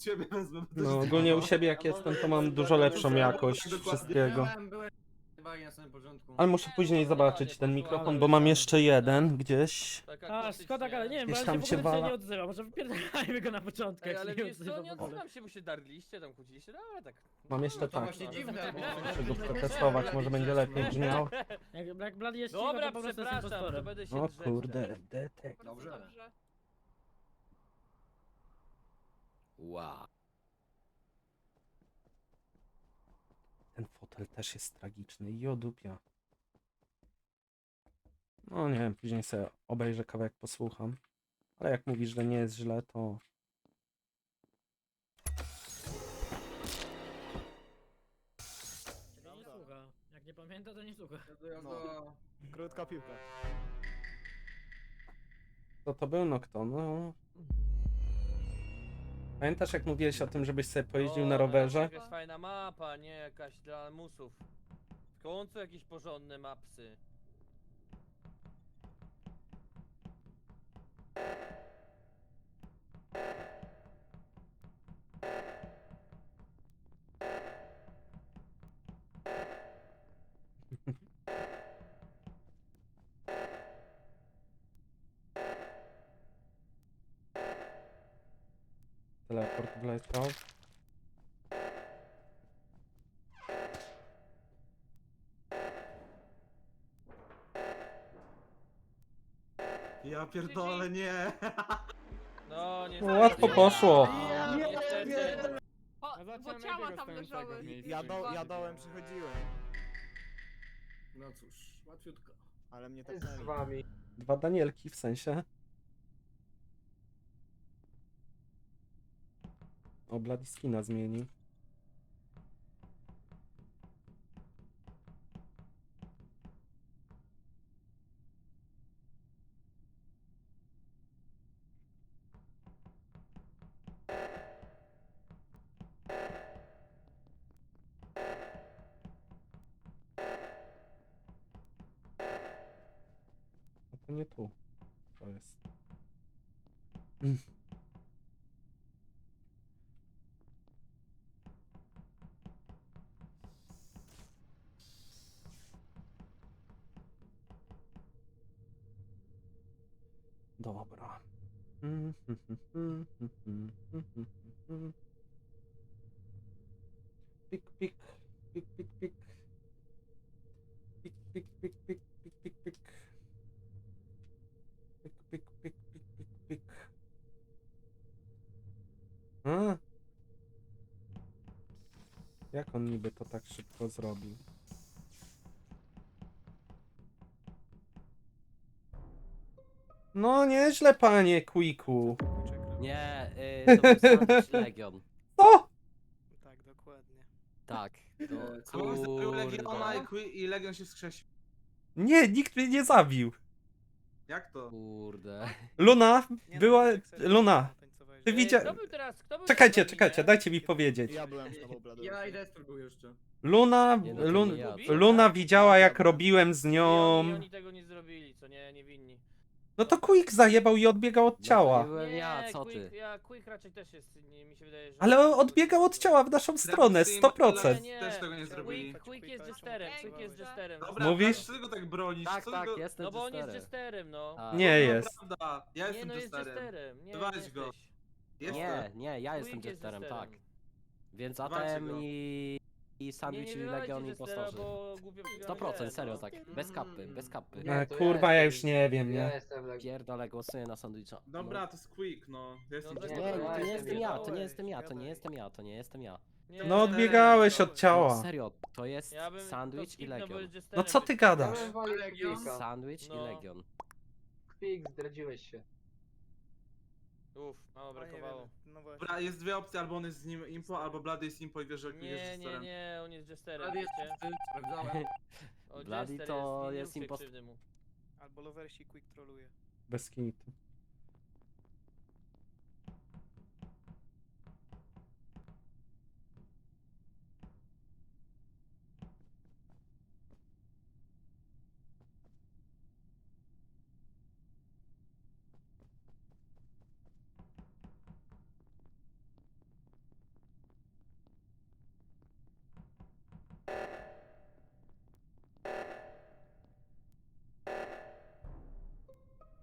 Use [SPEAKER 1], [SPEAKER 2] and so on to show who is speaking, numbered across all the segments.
[SPEAKER 1] Ciebie wezmę.
[SPEAKER 2] No ogólnie u siebie jak jestem, to mam dużo lepszą jakość wszystkiego.
[SPEAKER 3] Byłem chyba na samym początku.
[SPEAKER 2] Ale muszę później zobaczyć ten mikrofon, bo mam jeszcze jeden gdzieś.
[SPEAKER 4] A, szkoda, ale nie wiem, bo
[SPEAKER 2] Gdzieś
[SPEAKER 4] on
[SPEAKER 2] tam
[SPEAKER 4] się w
[SPEAKER 2] się
[SPEAKER 4] ogóle dzisiaj
[SPEAKER 2] wala.
[SPEAKER 4] nie odzywa. Może wypierdalajmy go na początku,
[SPEAKER 5] Ej,
[SPEAKER 4] jak
[SPEAKER 5] ale
[SPEAKER 4] się nie
[SPEAKER 5] wiesz co,
[SPEAKER 4] odzywa
[SPEAKER 5] nie
[SPEAKER 4] w ogóle.
[SPEAKER 5] odzywam się, bo się darliście, tam kłóciliście, no ale tak.
[SPEAKER 2] Mam jeszcze
[SPEAKER 3] To
[SPEAKER 2] tak.
[SPEAKER 3] właśnie dziwne, bo...
[SPEAKER 2] Muszę go przetestować, może będzie lepiej brzmiał.
[SPEAKER 4] Jak Bloody jest cicho,
[SPEAKER 5] Dobra,
[SPEAKER 4] to po prostu jest
[SPEAKER 5] przepraszam, to
[SPEAKER 4] impostorem.
[SPEAKER 5] będę się
[SPEAKER 2] O
[SPEAKER 5] drzeć
[SPEAKER 2] kurde,
[SPEAKER 5] teraz.
[SPEAKER 2] detek.
[SPEAKER 3] Dobrze.
[SPEAKER 5] Wow.
[SPEAKER 2] Ten fotel też jest tragiczny, jodupia. No nie wiem, później sobie obejrzę kawałek, posłucham. Ale jak mówisz, że nie jest źle, to...
[SPEAKER 4] Czyli nie słucha. Jak nie pamięta, to nie słucha.
[SPEAKER 3] No.
[SPEAKER 1] Krótka piłka.
[SPEAKER 2] Co to był Nocton? No. Pamiętasz jak mówiłeś o tym, żebyś sobie pojeździł na rowerze?
[SPEAKER 5] Jakaś fajna mapa, nie jakaś dla musów. W końcu jakieś porządne mapsy.
[SPEAKER 2] Teleport wleciał.
[SPEAKER 1] Ja pierdolę, nie.
[SPEAKER 5] No nie.
[SPEAKER 2] No, łatwo poszło.
[SPEAKER 5] Niestety.
[SPEAKER 6] Bo ciała tam leżały.
[SPEAKER 1] Ja dołem przychodziłem,
[SPEAKER 3] No cóż, łatwiutko.
[SPEAKER 1] ale mnie tak
[SPEAKER 7] Z wami.
[SPEAKER 2] Dwa Danielki w sensie. O, Bladiskina zmieni. A to nie tu. To jest. Dobra. Pik, pik, pik, pik, pik. Pik, pik, pik, pik, pik, pik, pik. Pik, pik, pik, pik, pik, pik. A? Jak on niby to tak szybko zrobił? No nieźle, panie Quicku.
[SPEAKER 8] Nie, to był Sandwich Legion.
[SPEAKER 2] Co?
[SPEAKER 1] Tak, dokładnie.
[SPEAKER 8] Tak.
[SPEAKER 1] Co? Był Legiona
[SPEAKER 8] Kurde.
[SPEAKER 1] i Legion się wskrzesił.
[SPEAKER 2] Nie, nikt mnie nie zabił.
[SPEAKER 1] Jak to?
[SPEAKER 8] Kurde.
[SPEAKER 2] Luna była... Luna, ty
[SPEAKER 5] Kto
[SPEAKER 2] widziałeś...
[SPEAKER 5] był teraz? Kto był
[SPEAKER 2] Czekajcie,
[SPEAKER 5] teraz na
[SPEAKER 2] czekajcie,
[SPEAKER 5] minie?
[SPEAKER 2] dajcie mi powiedzieć.
[SPEAKER 1] Ja byłem z tobą, Blady.
[SPEAKER 3] Ja i Destur był jeszcze.
[SPEAKER 2] Luna...
[SPEAKER 8] Nie, no to nie ja, co?
[SPEAKER 2] Luna widziała jak robiłem z
[SPEAKER 5] I
[SPEAKER 2] nią...
[SPEAKER 5] oni tego nie zrobili, co nie, niewinni.
[SPEAKER 2] No to Quick zajebał i odbiegał od
[SPEAKER 8] No to
[SPEAKER 2] ciała.
[SPEAKER 8] nie byłem ja, co ty?
[SPEAKER 5] Quick raczej też jest, nie, mi się wydaje, że...
[SPEAKER 2] Ale odbiegał od ciała w naszą stronę, 100%.
[SPEAKER 5] Nie,
[SPEAKER 1] Też tego nie zrobili.
[SPEAKER 5] Quick jest jesterem, Quick jest jesterem.
[SPEAKER 1] Dobra,
[SPEAKER 2] Mówisz?
[SPEAKER 1] dlaczego tak bronisz?
[SPEAKER 8] Tak,
[SPEAKER 1] Co
[SPEAKER 8] tak,
[SPEAKER 1] tego...
[SPEAKER 8] jestem
[SPEAKER 5] No bo on jest
[SPEAKER 8] jesterem.
[SPEAKER 5] jesterem, no.
[SPEAKER 8] Tak.
[SPEAKER 2] Nie jest.
[SPEAKER 1] Prawda, ja
[SPEAKER 5] Nie,
[SPEAKER 1] jestem
[SPEAKER 5] no jest
[SPEAKER 1] testerem.
[SPEAKER 5] jesterem. Nie,
[SPEAKER 1] Weź
[SPEAKER 5] nie
[SPEAKER 1] go.
[SPEAKER 5] jesteś.
[SPEAKER 1] Jestem.
[SPEAKER 8] Nie, ja jestem
[SPEAKER 5] Quick jest
[SPEAKER 8] jesterem, tak.
[SPEAKER 5] jesterem.
[SPEAKER 8] Więc
[SPEAKER 1] Walcie
[SPEAKER 8] ATM
[SPEAKER 1] go.
[SPEAKER 8] i Sandwich
[SPEAKER 5] Nie
[SPEAKER 8] i
[SPEAKER 5] wywalajcie
[SPEAKER 8] Legion
[SPEAKER 5] jestera,
[SPEAKER 8] impostorzy.
[SPEAKER 5] bo głupio przegramy
[SPEAKER 8] 100%,
[SPEAKER 5] grę,
[SPEAKER 8] serio,
[SPEAKER 5] no.
[SPEAKER 8] tak. Bez kapy, bez kapy.
[SPEAKER 7] Nie, to
[SPEAKER 2] Kurwa, ja
[SPEAKER 7] jestem-
[SPEAKER 2] już nie wiem,
[SPEAKER 7] Ja
[SPEAKER 2] nie?
[SPEAKER 7] jestem Legion.
[SPEAKER 8] Pierdolę, głosuję na Sandwicha.
[SPEAKER 1] Dobra, to jest Quick, no. Jestem
[SPEAKER 5] Dobra,
[SPEAKER 8] Nie,
[SPEAKER 1] testerem.
[SPEAKER 8] to nie jestem ja, to nie
[SPEAKER 1] Gadaj,
[SPEAKER 8] jestem ja, to nie
[SPEAKER 1] gadaj.
[SPEAKER 8] jestem ja, to nie jestem ja.
[SPEAKER 5] Nie,
[SPEAKER 2] No odbiegałeś od
[SPEAKER 8] No
[SPEAKER 2] ciała.
[SPEAKER 8] serio, to jest
[SPEAKER 5] Ja bym to
[SPEAKER 8] Sandwich i
[SPEAKER 5] skipnął, bo
[SPEAKER 8] Legion.
[SPEAKER 5] jest jesterem,
[SPEAKER 2] No co ty
[SPEAKER 5] więc-
[SPEAKER 7] Ja
[SPEAKER 2] gadasz?
[SPEAKER 7] bym walił
[SPEAKER 3] Legion.
[SPEAKER 7] Quicka.
[SPEAKER 8] Sandwich i
[SPEAKER 5] No.
[SPEAKER 8] Legion.
[SPEAKER 7] Quick, zdradziłeś się.
[SPEAKER 5] Uff, mało brakowało.
[SPEAKER 1] Dobra, jest dwie opcje, albo on jest z nim impo, albo Blady jest impo i wiesz, że Quick jest
[SPEAKER 5] Nie, nie,
[SPEAKER 1] testerem.
[SPEAKER 5] nie, on jest jesterem,
[SPEAKER 3] Ale jest
[SPEAKER 5] wiecie?
[SPEAKER 3] czysty, sprawdzałem.
[SPEAKER 5] O,
[SPEAKER 8] Bloody
[SPEAKER 5] jester
[SPEAKER 8] to
[SPEAKER 5] nie
[SPEAKER 8] jest
[SPEAKER 5] róbcie
[SPEAKER 8] impost-
[SPEAKER 5] krzywdy mu.
[SPEAKER 1] Albo Loversi Quick troluje.
[SPEAKER 2] Bez kitu.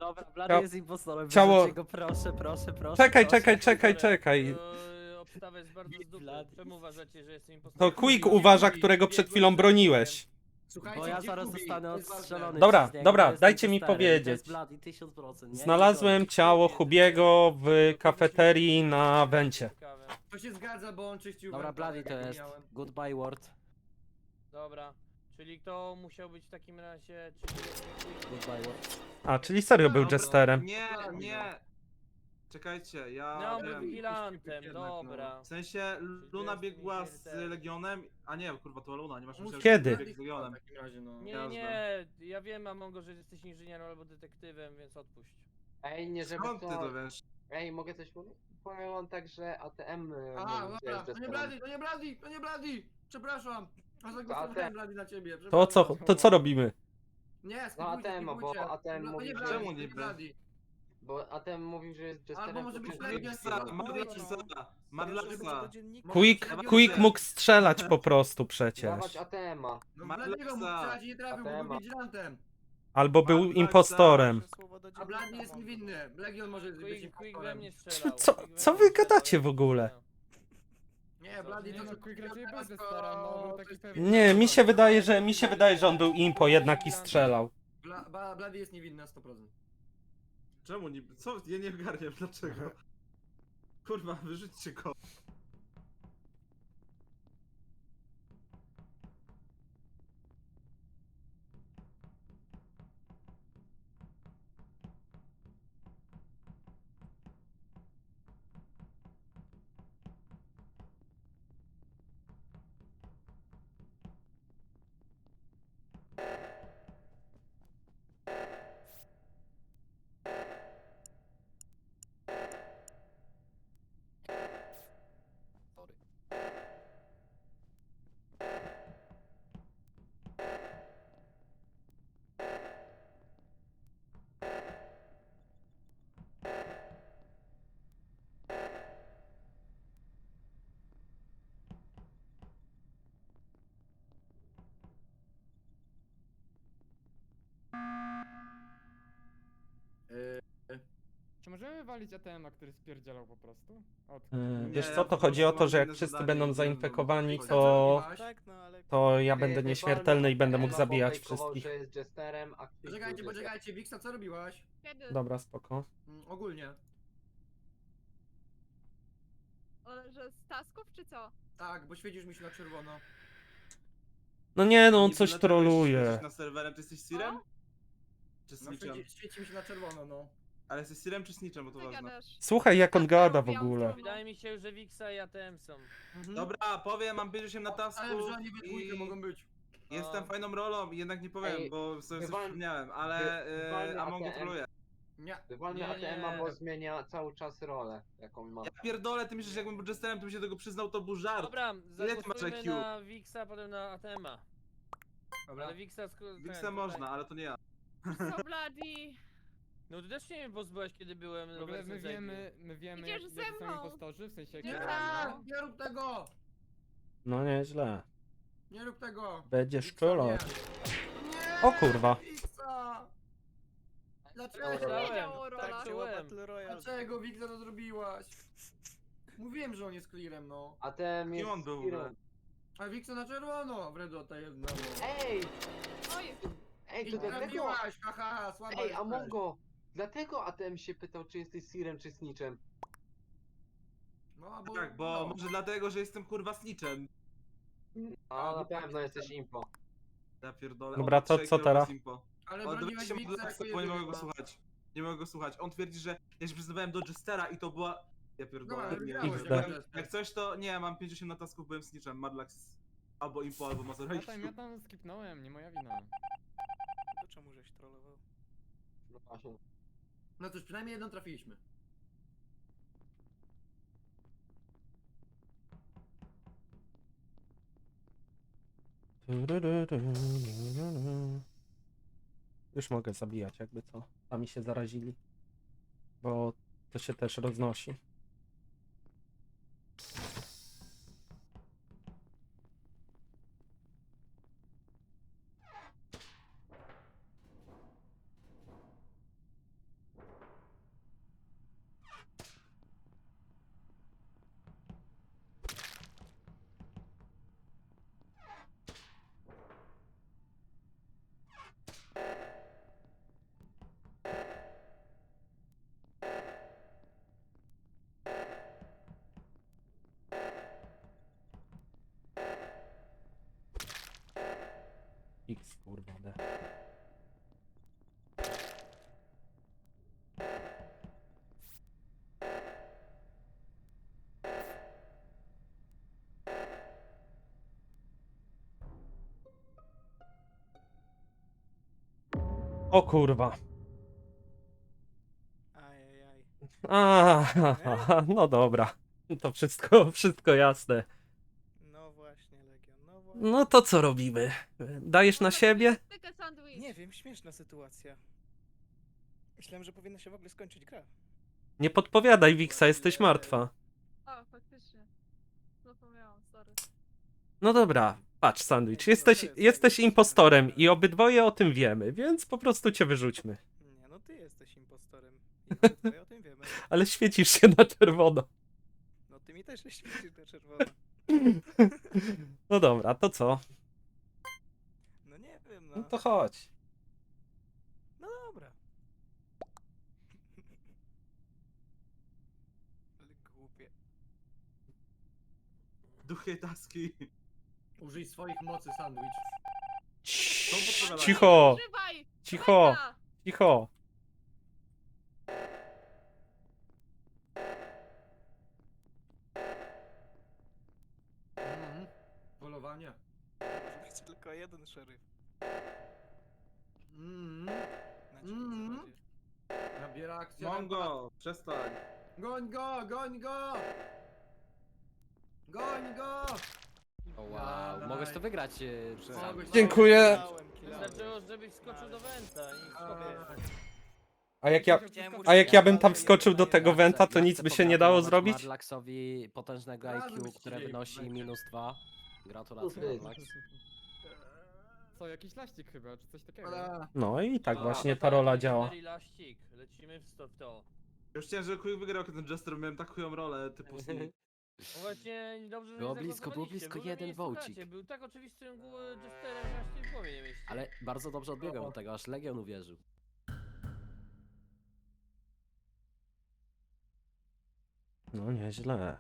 [SPEAKER 8] Dobra, Blady
[SPEAKER 2] Cia-
[SPEAKER 8] jest impostorem,
[SPEAKER 2] ciało-
[SPEAKER 8] wyrzućcie go, proszę, proszę, proszę.
[SPEAKER 2] Czekaj,
[SPEAKER 8] proszę.
[SPEAKER 2] czekaj.
[SPEAKER 5] Obstawa jest bardzo z dupy.
[SPEAKER 8] Blady.
[SPEAKER 5] Czemu uważacie, że jestem
[SPEAKER 2] To
[SPEAKER 5] impostorem?
[SPEAKER 2] Quick
[SPEAKER 3] Kubi,
[SPEAKER 2] uważa,
[SPEAKER 3] Kubi,
[SPEAKER 2] którego przed
[SPEAKER 5] biegłem
[SPEAKER 2] chwilą
[SPEAKER 5] za
[SPEAKER 2] broniłeś.
[SPEAKER 3] Słuchajcie,
[SPEAKER 8] Bo ja
[SPEAKER 3] gdzie
[SPEAKER 8] zaraz
[SPEAKER 3] Kubi?
[SPEAKER 8] zostanę
[SPEAKER 3] To jest ważne.
[SPEAKER 8] odstrzelony
[SPEAKER 2] Dobra,
[SPEAKER 8] przez niego,
[SPEAKER 2] dobra,
[SPEAKER 8] bo jestem
[SPEAKER 2] dajcie mi
[SPEAKER 8] testerem.
[SPEAKER 2] powiedzieć.
[SPEAKER 8] To jest Blady 1000%, nie?
[SPEAKER 2] Znalazłem ciało Hubiego w kafeterii na wencie.
[SPEAKER 5] Ciekawe.
[SPEAKER 3] To się zgadza, bo on czyścił
[SPEAKER 8] Dobra,
[SPEAKER 3] węta,
[SPEAKER 8] Blady
[SPEAKER 3] jak
[SPEAKER 8] to
[SPEAKER 3] ja
[SPEAKER 8] jest.
[SPEAKER 3] miałem.
[SPEAKER 8] Goodbye word.
[SPEAKER 5] Dobra. Czyli kto musiał być w takim razie? Czyli
[SPEAKER 8] Goodbye word.
[SPEAKER 2] A, czyli serio był
[SPEAKER 1] Dobra,
[SPEAKER 2] jesterem.
[SPEAKER 1] Nie, nie. Czekajcie, ja
[SPEAKER 5] No, on był
[SPEAKER 1] wiem.
[SPEAKER 5] vigilantem,
[SPEAKER 3] Jednak,
[SPEAKER 5] dobra.
[SPEAKER 1] W sensie Luna
[SPEAKER 5] jest
[SPEAKER 1] biegła z
[SPEAKER 5] nieśmiertelny.
[SPEAKER 1] Legionem, a nie, kurwa, to Luna, nie masz myśleć,
[SPEAKER 2] Kiedy?
[SPEAKER 1] że biegł z Legionem.
[SPEAKER 3] W takim razie, no.
[SPEAKER 5] Nie,
[SPEAKER 1] Jasne.
[SPEAKER 5] nie, ja wiem, Amongo, że jesteś inżynierem albo detektywem, więc odpuść.
[SPEAKER 7] Ej, nie żeby
[SPEAKER 1] Skąd ty to
[SPEAKER 7] to...
[SPEAKER 1] wiesz?
[SPEAKER 7] Ej, mogę coś mówić? Powiem wam tak, że ATM...
[SPEAKER 3] A,
[SPEAKER 7] mówi, że
[SPEAKER 3] dobra,
[SPEAKER 7] jest
[SPEAKER 3] to nie
[SPEAKER 7] jesterem.
[SPEAKER 3] Blady, to nie Blady, to nie Blady! Przepraszam! A zagłosowałem
[SPEAKER 7] ATM.
[SPEAKER 3] Blady na ciebie.
[SPEAKER 2] To co robimy?
[SPEAKER 3] Nie,
[SPEAKER 7] No
[SPEAKER 3] skipujcie,
[SPEAKER 7] ATM, bo
[SPEAKER 3] skipujcie.
[SPEAKER 7] ATM
[SPEAKER 3] No, to
[SPEAKER 7] mówi,
[SPEAKER 3] nie
[SPEAKER 7] że-
[SPEAKER 3] Blady,
[SPEAKER 1] Czemu
[SPEAKER 3] to nie
[SPEAKER 1] niby?
[SPEAKER 3] Blady.
[SPEAKER 7] Bo ATM mówił, że jest jesterem.
[SPEAKER 3] Albo może być
[SPEAKER 7] to-
[SPEAKER 3] Legion.
[SPEAKER 1] Madlaxa.
[SPEAKER 2] Quick mógł strzelać po prostu przecież.
[SPEAKER 7] Dawać ATM-a.
[SPEAKER 3] No
[SPEAKER 1] Matlexa.
[SPEAKER 3] Bladiego mógł strzelać i nie trafił, bo
[SPEAKER 7] ATM-a.
[SPEAKER 3] był vigilantem.
[SPEAKER 2] Albo był
[SPEAKER 1] Madlaxa.
[SPEAKER 2] impostorem.
[SPEAKER 3] A Blady jest niewinny. Legion może być
[SPEAKER 5] Quick we
[SPEAKER 3] impostorem.
[SPEAKER 5] mnie strzelał.
[SPEAKER 2] Co-
[SPEAKER 5] Quick we
[SPEAKER 2] co
[SPEAKER 5] mnie
[SPEAKER 2] wy
[SPEAKER 5] strzelał,
[SPEAKER 2] gadacie
[SPEAKER 5] ja
[SPEAKER 2] w ogóle?
[SPEAKER 5] strzelałem.
[SPEAKER 3] Nie, Blady
[SPEAKER 9] Nie
[SPEAKER 3] to
[SPEAKER 9] no,
[SPEAKER 3] co
[SPEAKER 9] Quick raczej
[SPEAKER 3] teraz,
[SPEAKER 9] był
[SPEAKER 3] to-
[SPEAKER 9] zesterem, no, był
[SPEAKER 3] to
[SPEAKER 9] taki
[SPEAKER 3] jest
[SPEAKER 9] pewien.
[SPEAKER 2] Nie, mi się wydaje, że on był impo jednak i strzelał.
[SPEAKER 3] Blady jest niewinny na 100%.
[SPEAKER 1] Czemu niby? Co? Ja nie ogarniam, dlaczego? Kurwa, wyrzućcie go.
[SPEAKER 9] Czy możemy walić ATM-a, który spierdzielał po prostu? Od...
[SPEAKER 2] Wiesz
[SPEAKER 1] Nie,
[SPEAKER 2] co,
[SPEAKER 1] ja
[SPEAKER 2] to
[SPEAKER 1] po
[SPEAKER 2] chodzi o
[SPEAKER 1] prostu
[SPEAKER 2] to, że
[SPEAKER 1] mam
[SPEAKER 2] jak
[SPEAKER 1] inne
[SPEAKER 2] wszyscy
[SPEAKER 1] zadanie,
[SPEAKER 2] będą
[SPEAKER 1] nie
[SPEAKER 2] zainfekowani,
[SPEAKER 1] wiem,
[SPEAKER 2] to
[SPEAKER 3] Tak,
[SPEAKER 2] to ja będę
[SPEAKER 7] Ty,
[SPEAKER 2] nieśmiertelny i będę mógł
[SPEAKER 7] ATM-a
[SPEAKER 2] zabijać
[SPEAKER 7] popejkował,
[SPEAKER 2] wszystkich.
[SPEAKER 7] że jest jesterem, a Quick
[SPEAKER 3] Poczekajcie,
[SPEAKER 7] był jesterem.
[SPEAKER 3] poczekajcie, Wiksa, co robiłaś?
[SPEAKER 6] Kiedy?
[SPEAKER 2] Dobra, spoko.
[SPEAKER 3] Ogólnie.
[SPEAKER 6] Że z tasków czy co?
[SPEAKER 3] Tak, bo świecisz mi się na czerwono.
[SPEAKER 2] No nie, no on
[SPEAKER 1] Niby
[SPEAKER 2] coś
[SPEAKER 1] dlaczego
[SPEAKER 2] troluje.
[SPEAKER 1] siedzisz na serwerem, ty jesteś Sirem?
[SPEAKER 6] O?
[SPEAKER 1] Czy
[SPEAKER 3] No,
[SPEAKER 1] Snitchem?
[SPEAKER 3] świeci mi się na czerwono, no.
[SPEAKER 1] Ale jesteś Sirem czy Snitchem, bo to
[SPEAKER 6] Ty
[SPEAKER 1] ważne.
[SPEAKER 6] gadasz.
[SPEAKER 2] Słuchaj, jak on gada w
[SPEAKER 6] robiłam
[SPEAKER 2] ogóle.
[SPEAKER 6] to.
[SPEAKER 5] Wydaje mi się, że Wixa i ATM są.
[SPEAKER 1] Dobra, powiem, mam 58 na tasku
[SPEAKER 3] Ale że oni we dwójkę
[SPEAKER 1] i
[SPEAKER 3] mogą być.
[SPEAKER 1] jestem fajną rolą i jednak nie powiem,
[SPEAKER 7] Ej,
[SPEAKER 1] bo sobie coś
[SPEAKER 7] wywal-
[SPEAKER 1] przypomniałem, ale
[SPEAKER 7] wywalmy
[SPEAKER 1] Among
[SPEAKER 7] ATM.
[SPEAKER 1] troluje.
[SPEAKER 3] Nie.
[SPEAKER 7] Wywalmy
[SPEAKER 5] Nie,
[SPEAKER 7] ATM-a,
[SPEAKER 5] nie.
[SPEAKER 7] bo zmienia cały czas rolę, jaką ma.
[SPEAKER 1] Ja pierdolę, ty myślisz, że jakbym był jesterem, to bym się tego przyznał, to był żart.
[SPEAKER 5] Dobra,
[SPEAKER 1] Ile ty masz
[SPEAKER 5] zagłosujmy
[SPEAKER 1] IQ?
[SPEAKER 5] na Wixa, potem na ATM-a.
[SPEAKER 3] Dobra.
[SPEAKER 5] Ale Wixa...
[SPEAKER 1] Wixa można, ale to nie ja.
[SPEAKER 6] Co Bloody?
[SPEAKER 5] No ty też się mnie pozbyłeś, kiedy byłem
[SPEAKER 9] W ogóle
[SPEAKER 5] Robertem
[SPEAKER 9] my wiemy
[SPEAKER 6] Idziesz
[SPEAKER 9] jak
[SPEAKER 6] ze
[SPEAKER 9] jacy są
[SPEAKER 6] mną.
[SPEAKER 9] impostorzy, w sensie
[SPEAKER 3] Nie,
[SPEAKER 9] jak
[SPEAKER 3] nie rób tego!
[SPEAKER 2] No nieźle.
[SPEAKER 3] Nie rób tego!
[SPEAKER 2] Będziesz
[SPEAKER 3] Wiksa,
[SPEAKER 2] czulać.
[SPEAKER 3] nie.
[SPEAKER 2] O kurwa.
[SPEAKER 3] Wiksa! Dlaczego?
[SPEAKER 6] Wiedział o rolach.
[SPEAKER 5] Tak czułem.
[SPEAKER 3] Dlaczego Wiksa to zrobiłaś? Mówiłem, że on jest clearem, no.
[SPEAKER 7] ATM
[SPEAKER 1] Kim
[SPEAKER 7] jest
[SPEAKER 1] on był w
[SPEAKER 7] Kirą.
[SPEAKER 1] ogóle?
[SPEAKER 3] A Wiksa na czerwono! Wredota jedna, no.
[SPEAKER 7] Ej!
[SPEAKER 6] Oj,
[SPEAKER 7] Ej,
[SPEAKER 3] I
[SPEAKER 7] to dlatego...
[SPEAKER 3] trafiłaś, haha, słaba
[SPEAKER 7] Ej,
[SPEAKER 3] jesteś.
[SPEAKER 7] Amongo! Dlatego ATM się pytał, czy jesteś Sirem, czy Snitchem.
[SPEAKER 3] No,
[SPEAKER 1] Tak, bo może dlatego, że jestem kurwa Snitchem.
[SPEAKER 7] A na
[SPEAKER 3] tak,
[SPEAKER 7] pewno jesteś impo.
[SPEAKER 1] Ja pierdolę.
[SPEAKER 2] Dobra,
[SPEAKER 1] on
[SPEAKER 2] to
[SPEAKER 1] trzech
[SPEAKER 2] co
[SPEAKER 1] kierowców
[SPEAKER 2] teraz?
[SPEAKER 1] impo.
[SPEAKER 3] Ale
[SPEAKER 1] On
[SPEAKER 3] broniłeś
[SPEAKER 1] się
[SPEAKER 3] Wiksa
[SPEAKER 1] Madlaxa,
[SPEAKER 3] jako
[SPEAKER 1] bo nie mogę
[SPEAKER 3] jedynego.
[SPEAKER 1] go słuchać. Nie mogę go słuchać. On twierdzi, że ja się przyznawałem do Jestera i to była... Ja
[SPEAKER 3] No,
[SPEAKER 1] pierdolę.
[SPEAKER 3] ale
[SPEAKER 1] nie,
[SPEAKER 3] wygrałeś,
[SPEAKER 2] XD.
[SPEAKER 1] byłem- Jak coś to... Nie, mam 58 na tasków, byłem Snitchem. Madlax albo impo, albo Mazurek.
[SPEAKER 9] ja tam skipnąłem, nie moja wina.
[SPEAKER 10] To czemu żeś trollował?
[SPEAKER 7] No właśnie.
[SPEAKER 3] No cóż, przynajmniej jedną trafiliśmy.
[SPEAKER 2] Już mogę zabijać, jakby co. Sami się zarazili. Bo to się też roznosi. O kurwa.
[SPEAKER 10] Ajajaj.
[SPEAKER 2] No dobra. To wszystko jasne.
[SPEAKER 10] No właśnie, Legion, no właśnie.
[SPEAKER 2] No to co robimy? Dajesz na siebie?
[SPEAKER 6] Styka sandwich.
[SPEAKER 10] Nie wiem, śmieszna sytuacja. Myślałem, że powinna się w ogóle skończyć gra.
[SPEAKER 2] Nie podpowiadaj, Wiksa, jesteś martwa.
[SPEAKER 6] O, faktycznie. Zapomniałam, sorry.
[SPEAKER 2] No dobra, patrz, Sandwich, jesteś impostorem i obydwoje o tym wiemy, więc po prostu cię wyrzućmy.
[SPEAKER 10] Nie, no ty jesteś impostorem. I obydwoje o tym wiemy.
[SPEAKER 2] Ale świecisz się na czerwono.
[SPEAKER 10] No ty mi też się świecisz na czerwono.
[SPEAKER 2] No dobra, to co?
[SPEAKER 10] No nie wiem,
[SPEAKER 2] No
[SPEAKER 10] no.
[SPEAKER 2] to chodź.
[SPEAKER 10] No dobra. Ale głupie.
[SPEAKER 1] Duchy taski.
[SPEAKER 3] Użyj swoich mocy, sandwich.
[SPEAKER 2] Cicho,
[SPEAKER 6] Używaj!
[SPEAKER 2] cicho,
[SPEAKER 6] Mega!
[SPEAKER 2] cicho.
[SPEAKER 3] Polowanie.
[SPEAKER 10] Będzie tylko jeden szeryf.
[SPEAKER 3] Mhm.
[SPEAKER 10] Na dzikim zawodzie.
[SPEAKER 3] Nabiera akcja.
[SPEAKER 1] Mongo, przestań.
[SPEAKER 3] Goń go, goń go! Goń go!
[SPEAKER 8] O wow, mogłeś to wygrać.
[SPEAKER 3] Mogłeś-
[SPEAKER 2] Dziękuję.
[SPEAKER 10] Kilałem, kilałem.
[SPEAKER 5] Wystarczyło, żebyś skoczył do Wenta i
[SPEAKER 3] Tak.
[SPEAKER 2] A jak ja bym tam wskoczył do tego Wenta, to nic by się nie dało zrobić?
[SPEAKER 8] Marlaxowi potężnego
[SPEAKER 3] Razem
[SPEAKER 8] IQ,
[SPEAKER 3] byście
[SPEAKER 8] które
[SPEAKER 3] siedzieli
[SPEAKER 8] wynosi
[SPEAKER 3] w
[SPEAKER 8] -2. Gratulacje,
[SPEAKER 7] Kurde.
[SPEAKER 8] Marlax.
[SPEAKER 9] Co, jakiś laścik chyba, czy coś takiego?
[SPEAKER 3] Ale...
[SPEAKER 2] No i tak
[SPEAKER 5] A,
[SPEAKER 2] właśnie
[SPEAKER 5] to
[SPEAKER 2] ta rola
[SPEAKER 5] tak,
[SPEAKER 2] działa.
[SPEAKER 5] cztery laścik. Lecimy w to.
[SPEAKER 1] Już chciałem, że Quick wygrał, kiedy ten Jester miałem tak chują rolę, typu Sneak.
[SPEAKER 5] No właśnie, dobrze, że
[SPEAKER 8] Było
[SPEAKER 5] nie
[SPEAKER 8] blisko, było
[SPEAKER 5] zagłosowaliście.
[SPEAKER 8] blisko,
[SPEAKER 5] Wy
[SPEAKER 8] jeden
[SPEAKER 5] mnie nie
[SPEAKER 8] wołcik.
[SPEAKER 5] słuchacie. Był tak oczywistym Jesterem, że aż nie w głowie nie mieści.
[SPEAKER 8] Ale bardzo dobrze odbiegłem od tego, aż Legion uwierzył.
[SPEAKER 2] No nieźle.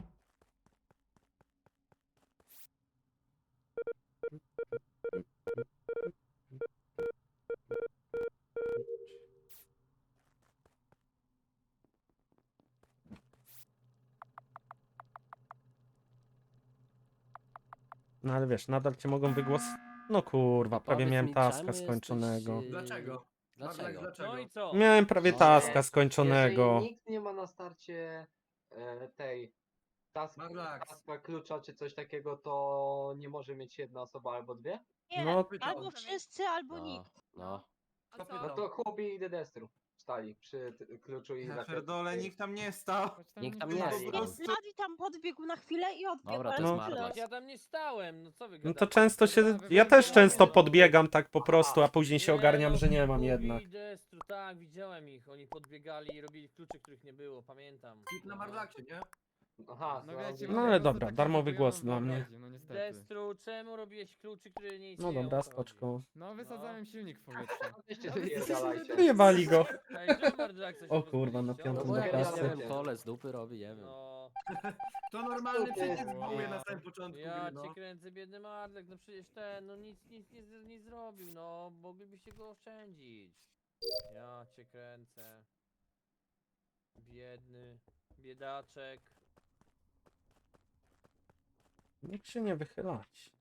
[SPEAKER 2] No ale wiesz, nadal cię mogą wygłos... No kurwa, prawie
[SPEAKER 8] Powiedz
[SPEAKER 2] miałem
[SPEAKER 8] mi,
[SPEAKER 2] taska
[SPEAKER 8] czemu jesteś,
[SPEAKER 2] skończonego.
[SPEAKER 3] Dlaczego? Marlax,
[SPEAKER 8] Dlaczego?
[SPEAKER 3] dlaczego?
[SPEAKER 5] No i co?
[SPEAKER 2] Miałem prawie
[SPEAKER 8] No
[SPEAKER 2] taska
[SPEAKER 8] nie.
[SPEAKER 2] skończonego.
[SPEAKER 7] Jeżeli nikt nie ma na starcie tej
[SPEAKER 3] Marlax.
[SPEAKER 7] taska klucza czy coś takiego, to nie może mieć jedna osoba albo dwie?
[SPEAKER 6] Nie,
[SPEAKER 2] No,
[SPEAKER 6] albo wszyscy, albo nikt.
[SPEAKER 8] No.
[SPEAKER 6] A
[SPEAKER 3] To
[SPEAKER 6] co?
[SPEAKER 3] pytam.
[SPEAKER 7] No to Hubi i The Destru stali przy kluczu i
[SPEAKER 1] Ja
[SPEAKER 7] rakietce.
[SPEAKER 1] pierdolę, nikt tam nie stał.
[SPEAKER 9] Choć
[SPEAKER 8] Nikt tam
[SPEAKER 1] nie
[SPEAKER 8] nie
[SPEAKER 1] jest.
[SPEAKER 8] stał.
[SPEAKER 6] Bladi tam podbiegł na chwilę i odbiegł,
[SPEAKER 8] Dobra, to
[SPEAKER 6] ale
[SPEAKER 8] jest
[SPEAKER 2] No.
[SPEAKER 8] Marlax.
[SPEAKER 5] Ja tam nie stałem, no co wy
[SPEAKER 2] No to
[SPEAKER 5] gadacie?
[SPEAKER 2] często się... Ja też często podbiegam tak po prostu, a później się ogarniam,
[SPEAKER 5] no,
[SPEAKER 2] że nie mam
[SPEAKER 5] Kubi,
[SPEAKER 2] jednak.
[SPEAKER 5] Destru, tak, widziałem ich. Oni podbiegali i robili klucze, których nie było, pamiętam.
[SPEAKER 3] Hit na Marlaxie, nie?
[SPEAKER 7] Aha,
[SPEAKER 9] No
[SPEAKER 7] znalazłem.
[SPEAKER 9] wiecie,
[SPEAKER 2] No ale
[SPEAKER 9] po prostu
[SPEAKER 2] dobra,
[SPEAKER 9] takie
[SPEAKER 2] darmowy
[SPEAKER 9] zabujoną
[SPEAKER 2] głos dla mnie.
[SPEAKER 9] wyobraźnię, No niestety.
[SPEAKER 5] Destru, czemu robiłeś kluczy, które nie
[SPEAKER 2] No
[SPEAKER 5] istnieją?
[SPEAKER 2] dobra,
[SPEAKER 5] O co chodzi?
[SPEAKER 2] skoczką.
[SPEAKER 9] No wysadzałem silnik w powietrze.
[SPEAKER 7] Weźcie spierdalajcie.
[SPEAKER 2] Wyjebali go.
[SPEAKER 5] Ej, czemu Marlaxa się
[SPEAKER 2] O kurwa, na
[SPEAKER 5] pozbyliście?
[SPEAKER 2] piątą
[SPEAKER 8] No bo
[SPEAKER 2] do
[SPEAKER 8] jak
[SPEAKER 2] pracy.
[SPEAKER 8] ja wiem, kole z dupy robi, nie wiem.
[SPEAKER 5] No,
[SPEAKER 3] To normalny
[SPEAKER 7] To jest-
[SPEAKER 3] przycisk buje na samym początku
[SPEAKER 5] ja
[SPEAKER 3] gry, no.
[SPEAKER 5] cię kręcę, biedny Marlek, no przecież ten, no nic nie zrobił, no, moglibyście go oszczędzić. Ja cię kręcę. Biedny, biedaczek.
[SPEAKER 2] Nikt się nie wychylać.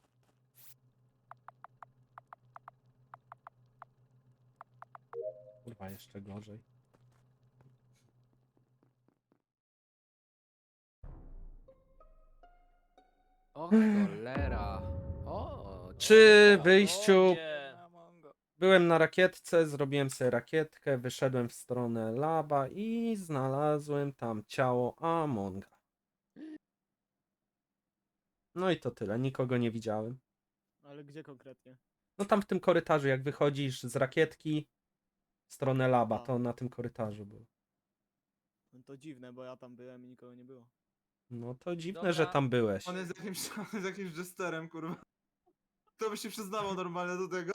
[SPEAKER 2] Kurwa, jeszcze gorzej.
[SPEAKER 8] O cholera. O,
[SPEAKER 2] Przy
[SPEAKER 8] o,
[SPEAKER 2] wyjściu
[SPEAKER 5] Ludzie.
[SPEAKER 10] Na Mongo.
[SPEAKER 2] byłem na rakietce, zrobiłem sobie rakietkę, wyszedłem w stronę laba i znalazłem tam ciało Amonga. No i to tyle, nikogo nie widziałem.
[SPEAKER 11] Ale gdzie konkretnie?
[SPEAKER 2] No tam w tym korytarzu, jak wychodzisz z rakietki w stronę laba,
[SPEAKER 11] A.
[SPEAKER 2] to na tym korytarzu było.
[SPEAKER 11] No to dziwne, bo ja tam byłem i nikogo nie było.
[SPEAKER 2] No to dziwne,
[SPEAKER 5] Dobra.
[SPEAKER 2] że tam byłeś.
[SPEAKER 1] On jest jakimś Jesterem, kurwa. Kto by się przyznawał normalnie do tego?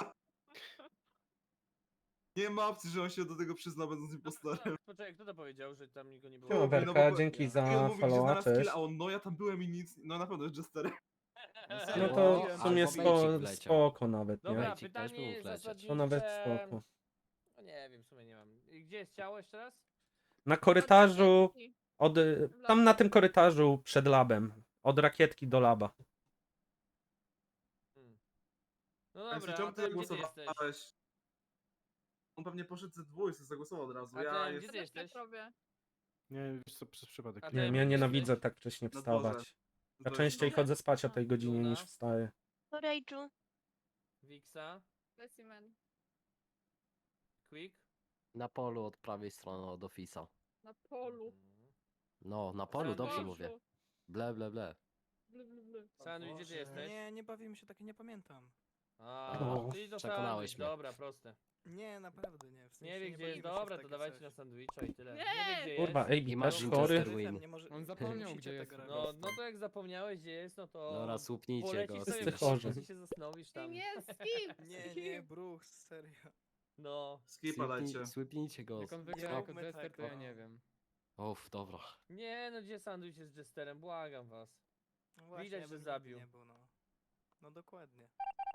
[SPEAKER 1] Nie ma opcji, że on się do tego przyzna, będąc impostorem.
[SPEAKER 5] Poczekaj, kto to powiedział, że tam nikogo nie było?
[SPEAKER 2] Siema,
[SPEAKER 1] no
[SPEAKER 2] Werka,
[SPEAKER 1] bo-
[SPEAKER 2] dzięki
[SPEAKER 1] I on
[SPEAKER 2] za
[SPEAKER 1] mówi, gdzie
[SPEAKER 2] followa,
[SPEAKER 1] znalazł kill,
[SPEAKER 2] cześć.
[SPEAKER 1] a on, no ja tam byłem i nic, no na pewno jest Jesterem.
[SPEAKER 2] No
[SPEAKER 8] O,
[SPEAKER 2] to w
[SPEAKER 8] albo
[SPEAKER 2] sumie
[SPEAKER 8] Bejcik wleciał.
[SPEAKER 2] spoko nawet, nie?
[SPEAKER 5] Dobra,
[SPEAKER 8] Bejcik też
[SPEAKER 5] pytanie
[SPEAKER 8] był wlecieć.
[SPEAKER 5] zasadnicze...
[SPEAKER 2] To nawet spoko.
[SPEAKER 5] No nie wiem, w sumie nie mam. I gdzie jest ciało jeszcze raz?
[SPEAKER 2] Na korytarzu, tam na tym korytarzu przed labem. Od rakietki do laba.
[SPEAKER 5] No dobra,
[SPEAKER 1] Czemu
[SPEAKER 5] a
[SPEAKER 1] ty
[SPEAKER 5] ty gdzie ty jesteś?
[SPEAKER 1] głosowałeś? On pewnie poszedł ze dwójcy, zagłosował od razu.
[SPEAKER 5] A
[SPEAKER 1] Ja
[SPEAKER 5] ty,
[SPEAKER 1] jest
[SPEAKER 5] gdzie ty
[SPEAKER 6] Ja też tak
[SPEAKER 5] jesteś?
[SPEAKER 6] robię.
[SPEAKER 11] Nie, wiesz co, przez przypadek.
[SPEAKER 5] A
[SPEAKER 2] Nie wiem,
[SPEAKER 5] ty,
[SPEAKER 2] ja
[SPEAKER 5] gdzie
[SPEAKER 2] nienawidzę
[SPEAKER 5] jesteś?
[SPEAKER 2] tak wcześnie
[SPEAKER 1] Na dworze.
[SPEAKER 2] wstawać. Ja
[SPEAKER 1] Zdążył.
[SPEAKER 2] częściej chodzę spać o tej godzinie
[SPEAKER 5] Luna?
[SPEAKER 2] niż wstaję.
[SPEAKER 6] To Rage'u.
[SPEAKER 5] Wiksa?
[SPEAKER 6] Specimen.
[SPEAKER 5] Quick?
[SPEAKER 8] Na polu od prawej strony od Office'a.
[SPEAKER 6] Na polu.
[SPEAKER 8] No, na polu,
[SPEAKER 5] Sandwich.
[SPEAKER 8] dobrze mówię. Ble, ble, ble.
[SPEAKER 6] Blu, blu, blu.
[SPEAKER 5] Sandwich, gdzie ty jesteś?
[SPEAKER 10] Nie bawimy się tak, nie pamiętam.
[SPEAKER 5] A,
[SPEAKER 2] No,
[SPEAKER 5] czyli to
[SPEAKER 8] przekonałeś
[SPEAKER 5] sandwich,
[SPEAKER 8] mnie.
[SPEAKER 5] dobra, proste.
[SPEAKER 10] Nie, naprawdę nie. W sensie
[SPEAKER 5] Nie wie gdzie jest,
[SPEAKER 10] bawimy się w
[SPEAKER 5] dobra, to
[SPEAKER 10] takie
[SPEAKER 5] dawajcie
[SPEAKER 10] coś.
[SPEAKER 5] na sandwicha i tyle.
[SPEAKER 6] Nie!
[SPEAKER 5] wie gdzie
[SPEAKER 2] Kurwa,
[SPEAKER 5] jest.
[SPEAKER 2] Ejbi
[SPEAKER 8] I masz
[SPEAKER 2] też chory.
[SPEAKER 8] Winchester Win.
[SPEAKER 10] Nie może,
[SPEAKER 9] On
[SPEAKER 10] nie
[SPEAKER 9] zapomniał,
[SPEAKER 10] musicie
[SPEAKER 9] gdzie jest
[SPEAKER 10] tego
[SPEAKER 9] po
[SPEAKER 10] robić.
[SPEAKER 5] No to jak zapomniałeś gdzie jest, no to...
[SPEAKER 8] Dobra, słupnijcie
[SPEAKER 5] polecisz
[SPEAKER 8] go.
[SPEAKER 5] sobie
[SPEAKER 2] Wszyscy
[SPEAKER 5] w
[SPEAKER 2] chorzy.
[SPEAKER 5] i się zastanowisz tam.
[SPEAKER 6] Nie, skip!
[SPEAKER 10] Nie, Bruch, serio.
[SPEAKER 5] No.
[SPEAKER 1] Skipa dajcie.
[SPEAKER 8] Słupnijcie go.
[SPEAKER 9] Jak on
[SPEAKER 10] Nie
[SPEAKER 9] wygra jako
[SPEAKER 10] róbmy
[SPEAKER 9] Jester, to
[SPEAKER 10] tego.
[SPEAKER 9] ja nie wiem.
[SPEAKER 8] Uff, dobra.
[SPEAKER 5] Nie no, gdzie sandwich jest z Jesterem, błagam was.
[SPEAKER 10] No właśnie,
[SPEAKER 5] Widać,
[SPEAKER 10] ja
[SPEAKER 5] że
[SPEAKER 10] bym
[SPEAKER 5] zabił.
[SPEAKER 10] nigdy nie był, no. No dokładnie.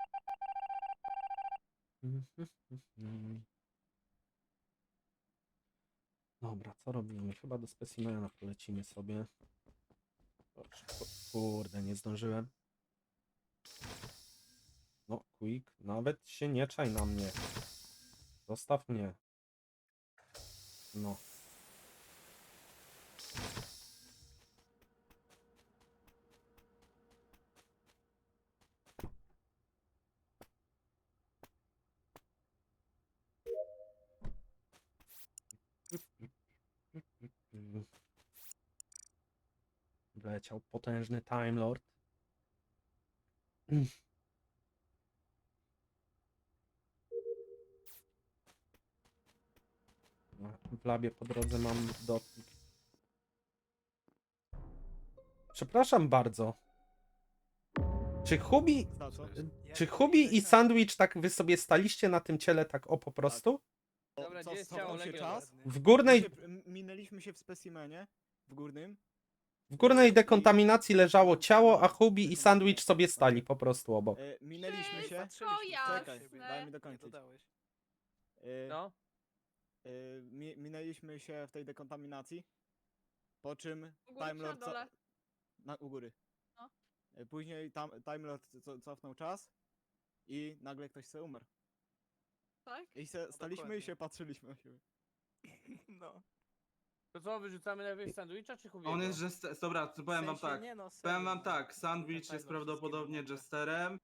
[SPEAKER 2] Dobra, co robimy? Chyba do specimena polecimy sobie. O, szybko. Kurde, nie zdążyłem. No, Quick, nawet się nie czaj na mnie. Zostaw mnie. No. Wleciał potężny Time Lord. W labie po drodze mam dotnik. Przepraszam bardzo. Czy Hubi,
[SPEAKER 11] Za co?
[SPEAKER 2] czy Hubi i Sandwich tak wy sobie staliście na tym ciele tak o po prostu?
[SPEAKER 5] Dobra,
[SPEAKER 11] Co,
[SPEAKER 5] gdzie jest
[SPEAKER 11] cofnął
[SPEAKER 5] ciało
[SPEAKER 11] się
[SPEAKER 5] Legion?
[SPEAKER 11] czas?
[SPEAKER 2] W górnej,
[SPEAKER 11] Minęliśmy się w specimenie. W górnym.
[SPEAKER 2] w górnej dekontaminacji leżało ciało, a Hubi i Sandwich sobie stali po prostu obok.
[SPEAKER 11] Minęliśmy się.
[SPEAKER 6] Wszystko
[SPEAKER 11] Czekaj,
[SPEAKER 6] jasne.
[SPEAKER 11] daj mi
[SPEAKER 10] Nie
[SPEAKER 11] dokończyć.
[SPEAKER 10] dodałeś.
[SPEAKER 5] No.
[SPEAKER 11] Minęliśmy się w tej dekontaminacji. Po czym
[SPEAKER 6] U góry
[SPEAKER 11] Time
[SPEAKER 6] czy na
[SPEAKER 11] Lord
[SPEAKER 6] dole?
[SPEAKER 11] u góry.
[SPEAKER 6] No.
[SPEAKER 11] Później Time Lord cofnął czas i nagle ktoś se umarł.
[SPEAKER 6] Tak?
[SPEAKER 11] I staliśmy
[SPEAKER 10] dokładnie.
[SPEAKER 11] i się patrzyliśmy na siebie.
[SPEAKER 10] No.
[SPEAKER 5] To co, wyrzucamy najpierw sandwicha czy Hubiego?
[SPEAKER 1] On jest Jester... Dobra, to powiem wam
[SPEAKER 10] W sensie
[SPEAKER 1] tak.
[SPEAKER 10] nie, no,
[SPEAKER 1] Powiem
[SPEAKER 10] serio,
[SPEAKER 1] wam
[SPEAKER 10] no.
[SPEAKER 1] tak, Sandwich
[SPEAKER 10] Time
[SPEAKER 1] jest
[SPEAKER 10] Lord
[SPEAKER 1] prawdopodobnie
[SPEAKER 10] wszystkiego
[SPEAKER 1] Jesterem,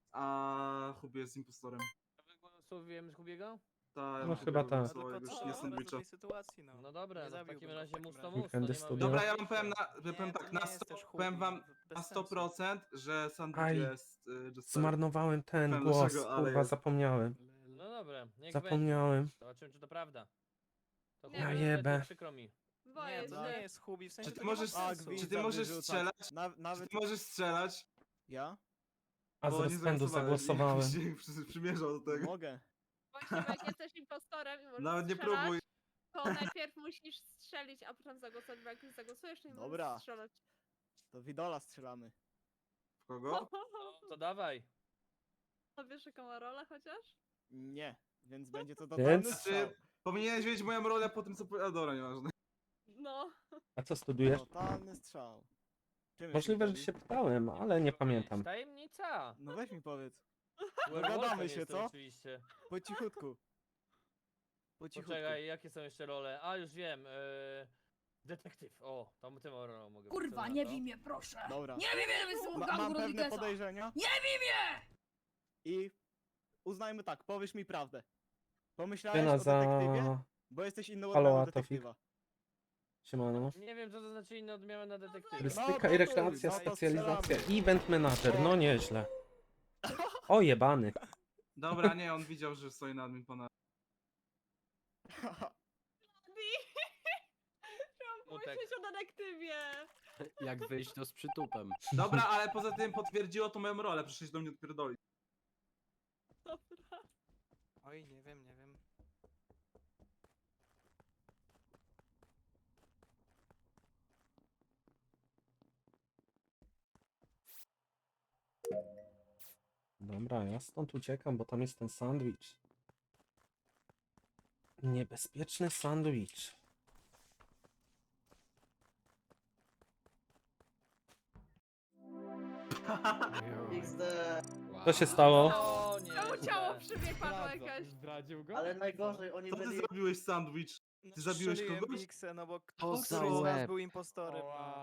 [SPEAKER 1] a Hubi jest impostorem.
[SPEAKER 5] Głosujemy z Hubiego?
[SPEAKER 1] Ta,
[SPEAKER 2] No chyba tak.
[SPEAKER 10] No
[SPEAKER 1] jak
[SPEAKER 10] tylko
[SPEAKER 1] już
[SPEAKER 10] co?
[SPEAKER 1] nie
[SPEAKER 10] Do
[SPEAKER 1] Sandwicha.
[SPEAKER 10] tej sytuacji, no.
[SPEAKER 5] No dobra,
[SPEAKER 10] Nie
[SPEAKER 5] no w
[SPEAKER 10] zabiłbym
[SPEAKER 5] takim
[SPEAKER 10] go w
[SPEAKER 5] razie
[SPEAKER 10] takim
[SPEAKER 5] mus to
[SPEAKER 10] razie.
[SPEAKER 5] mus, to nie
[SPEAKER 2] Weekendy
[SPEAKER 5] ma
[SPEAKER 2] studia.
[SPEAKER 1] Dobra, ja wam
[SPEAKER 5] wyjścia.
[SPEAKER 1] powiem,
[SPEAKER 10] Nie,
[SPEAKER 1] powiem
[SPEAKER 10] to
[SPEAKER 1] tak,
[SPEAKER 10] nie
[SPEAKER 1] na,
[SPEAKER 10] jest
[SPEAKER 1] 100,
[SPEAKER 10] też
[SPEAKER 1] powiem
[SPEAKER 10] Hubi,
[SPEAKER 1] wam
[SPEAKER 10] bez
[SPEAKER 1] na
[SPEAKER 10] sensu.
[SPEAKER 1] 100%, że Sandwich
[SPEAKER 2] Aj.
[SPEAKER 1] jest Jesterem.
[SPEAKER 2] Zmarnowałem ten
[SPEAKER 1] Powiem
[SPEAKER 2] głos,
[SPEAKER 1] dlaczego, ale
[SPEAKER 2] kurwa,
[SPEAKER 1] jest.
[SPEAKER 2] zapomniałem.
[SPEAKER 5] No dobra, niech będzie.
[SPEAKER 2] Zapomniałem.
[SPEAKER 5] Zobaczymy czy to prawda. To
[SPEAKER 6] Ja
[SPEAKER 5] Hubi,
[SPEAKER 2] jebę.
[SPEAKER 5] niestety przykro mi.
[SPEAKER 6] Boję
[SPEAKER 10] Nie, to nie
[SPEAKER 6] się.
[SPEAKER 10] jest Hubi, w sensie
[SPEAKER 1] Czy ty
[SPEAKER 10] to nie ma
[SPEAKER 1] możesz-
[SPEAKER 10] sensu.
[SPEAKER 1] czy ty możesz
[SPEAKER 11] wyrzucać.
[SPEAKER 1] strzelać?
[SPEAKER 11] Nawet
[SPEAKER 1] Czy ty możesz strzelać?
[SPEAKER 11] ja?
[SPEAKER 2] A z
[SPEAKER 1] Bo nie
[SPEAKER 2] rozpędu
[SPEAKER 1] zagłosowałem.
[SPEAKER 2] zagłosowałem.
[SPEAKER 1] Jakoś się przymierzał do tego.
[SPEAKER 11] Mogę.
[SPEAKER 6] Właśnie, bo jak jesteś impostorem i możesz
[SPEAKER 1] Nawet nie
[SPEAKER 6] strzelać,
[SPEAKER 1] próbuj.
[SPEAKER 6] to najpierw musisz strzelić, a potem zagłosować, bo jak już zagłosujesz, to nie
[SPEAKER 11] Dobra.
[SPEAKER 6] możesz strzelać.
[SPEAKER 11] To Widola strzelamy.
[SPEAKER 1] W kogo?
[SPEAKER 5] To dawaj.
[SPEAKER 6] A wiesz jaką ma rolę chociaż?
[SPEAKER 11] Nie, więc będzie to
[SPEAKER 2] Więc?
[SPEAKER 11] totalny strzał.
[SPEAKER 1] Powinieneś wiedzieć moją rolę po tym co powiedział. Dobra, nieważne.
[SPEAKER 6] No.
[SPEAKER 2] A co studujesz?
[SPEAKER 11] Totalny strzał. Czym
[SPEAKER 2] Możliwe, że
[SPEAKER 11] jesteś,
[SPEAKER 2] się pytałem, ale nie pamiętam.
[SPEAKER 5] Tajemnica.
[SPEAKER 11] No weź mi powiedz.
[SPEAKER 5] Werewolfem
[SPEAKER 11] Dogadamy się,
[SPEAKER 5] jestem
[SPEAKER 11] co?
[SPEAKER 5] Oczywiście.
[SPEAKER 11] Po cichutku. Po cichutku.
[SPEAKER 5] Poczekaj, jakie są jeszcze role? A już wiem. Detektyw. O, tam tym rolą mogę być. Co
[SPEAKER 12] Kurwa,
[SPEAKER 5] na
[SPEAKER 12] nie
[SPEAKER 5] to?
[SPEAKER 12] bij mnie, proszę!
[SPEAKER 11] Dobra.
[SPEAKER 12] Nie bij mnie, jestem
[SPEAKER 11] Mam
[SPEAKER 12] gangu
[SPEAKER 11] pewne
[SPEAKER 12] Rodrigueza!
[SPEAKER 11] podejrzenia
[SPEAKER 12] Nie bij mnie!
[SPEAKER 11] i uznajmy tak, powiesz mi prawdę. Pomyślałeś
[SPEAKER 2] Tyna
[SPEAKER 11] o detektywie?
[SPEAKER 2] za...
[SPEAKER 11] Bo jesteś inną
[SPEAKER 2] Halo,
[SPEAKER 11] odmianą
[SPEAKER 2] Atofik.
[SPEAKER 11] detektywa.
[SPEAKER 2] Siemano.
[SPEAKER 5] Nie wiem, co to znaczy inna odmiana na detektywie.
[SPEAKER 2] Turystyka
[SPEAKER 11] No
[SPEAKER 2] i
[SPEAKER 11] to
[SPEAKER 2] rekreacja,
[SPEAKER 11] chuj, no to
[SPEAKER 2] specjalizacja,
[SPEAKER 11] strzelamy.
[SPEAKER 2] event manager, no nieźle. O jebany.
[SPEAKER 1] Dobra, nie, on widział, że stoi na admin pana.
[SPEAKER 6] Chciałam
[SPEAKER 5] Smutek.
[SPEAKER 6] pomyśleć o detektywie.
[SPEAKER 8] Jak wyjść to z przytupem.
[SPEAKER 1] Dobra, ale poza tym potwierdziło to moją rolę, przyszłeś do mnie odpierdolić.
[SPEAKER 6] Dobra.
[SPEAKER 10] Oj, nie wiem, nie wiem.
[SPEAKER 2] Dobra, ja stąd uciekam, bo tam jest ten sandwich. Niebezpieczny sandwich.
[SPEAKER 7] XD.
[SPEAKER 2] Co się stało?
[SPEAKER 5] O nie.
[SPEAKER 6] ciało przy mnie padło
[SPEAKER 9] Zdradza-
[SPEAKER 6] jakaś.
[SPEAKER 9] Zdradził go?
[SPEAKER 10] Ale najgorzej, oni
[SPEAKER 1] Co ty
[SPEAKER 10] byli...
[SPEAKER 1] zrobiłeś, sandwich?
[SPEAKER 10] No,
[SPEAKER 1] Ty zabiłeś
[SPEAKER 10] strzeliłem
[SPEAKER 1] kogoś?
[SPEAKER 10] Biksę, no bo
[SPEAKER 8] To za
[SPEAKER 10] któryś z nas
[SPEAKER 8] łeb.
[SPEAKER 10] był impostorem.
[SPEAKER 9] Oła.
[SPEAKER 10] No.